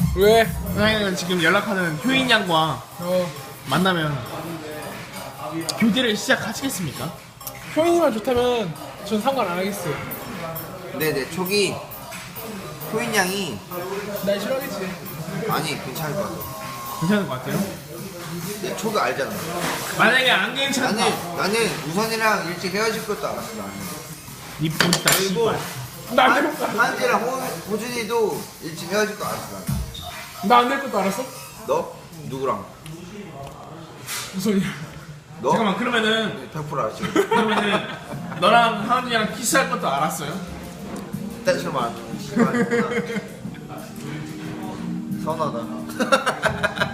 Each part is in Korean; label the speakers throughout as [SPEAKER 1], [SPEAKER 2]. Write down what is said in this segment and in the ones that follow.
[SPEAKER 1] 왜?
[SPEAKER 2] 선생님은 지금 연락하는 효인 양과
[SPEAKER 1] 어.
[SPEAKER 2] 만나면 교제를 시작하시겠습니까?
[SPEAKER 1] 효인이만 좋다면 전 상관 안 하겠어요.
[SPEAKER 3] 네네 초기 효인 양이
[SPEAKER 1] 날 싫어하겠지.
[SPEAKER 3] 아니 괜찮을 것 같아.
[SPEAKER 2] 괜찮은 것 같아요.
[SPEAKER 3] 내 초기 알잖아.
[SPEAKER 2] 만약에 안 괜찮다.
[SPEAKER 3] 나는 우선이랑 일찍 헤어질 것도 알았어. 나는.
[SPEAKER 2] 니 본다
[SPEAKER 3] 그리고
[SPEAKER 2] 씨발.
[SPEAKER 1] 나안 될 것도
[SPEAKER 3] 한지랑 호준이도 일찍 헤어질 거 알았어. 나는.
[SPEAKER 1] 나안 될 것도 알았어?
[SPEAKER 3] 너 누구랑?
[SPEAKER 1] 무슨 소리야?
[SPEAKER 3] 너?
[SPEAKER 2] 잠깐만 그러면은
[SPEAKER 3] 100% 알았지.
[SPEAKER 2] 그러면은 너랑 하은이랑 키스할 것도 알았어요?
[SPEAKER 3] 딴식으로 말안 서운하다.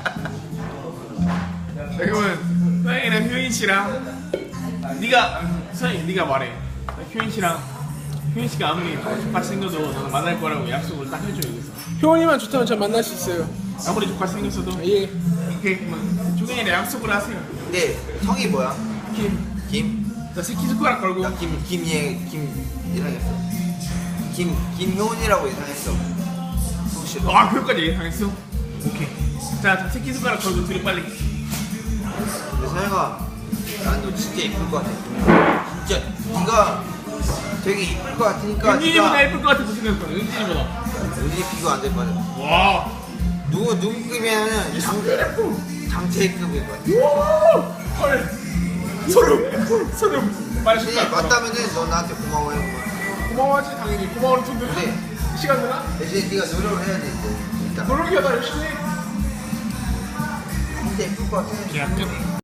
[SPEAKER 2] 그러면 선생님이랑 효인 씨랑 선생님 네가 말해. 효인 씨가 아무리 족같이 생겨도 너는 만날 거라고 약속을 딱 해줘 여기서.
[SPEAKER 1] 효인이만 좋다면 전 만날 수 있어요.
[SPEAKER 2] 아무리 족같이 생겼어도
[SPEAKER 1] 예.
[SPEAKER 2] 이렇게 조경이랑 약속을 하세요.
[SPEAKER 3] 근데 성이 뭐야?
[SPEAKER 2] 김.
[SPEAKER 3] 김?
[SPEAKER 2] 자 새끼손가락 걸고.
[SPEAKER 3] 나 김 예상했어. 김효은이라고 예상했어. 혹시
[SPEAKER 2] 아 그것까지 예상했어? 오케이. 자 새끼손가락 걸고 둘이 빨리.
[SPEAKER 3] 근데 서영아, 난 너 진짜 이쁠 것 같아. 진짜 네가 되게 이쁠 것 같으니까
[SPEAKER 2] 은진이보다 예쁠 것 같아서 생각했어. 은진이보다.
[SPEAKER 3] 우리 비교 안 될 것 같아.
[SPEAKER 2] 와.
[SPEAKER 3] 누구급이면은 장태급일 것 같아.
[SPEAKER 2] 헐. 소름. 빨리
[SPEAKER 3] 근데
[SPEAKER 2] 손가락 걸어.
[SPEAKER 3] 맞다면은 너 나한테 고마워해.
[SPEAKER 1] 고마워하지 당연히. 고마워를 톤데.
[SPEAKER 3] 근데
[SPEAKER 1] 시간 되나?
[SPEAKER 3] 대신 네가 노력을 해야 돼. 이제. 일단
[SPEAKER 1] 노력이야 나 열심히 해.
[SPEAKER 3] 진짜 이쁠 것 같아.
[SPEAKER 2] 야 끝.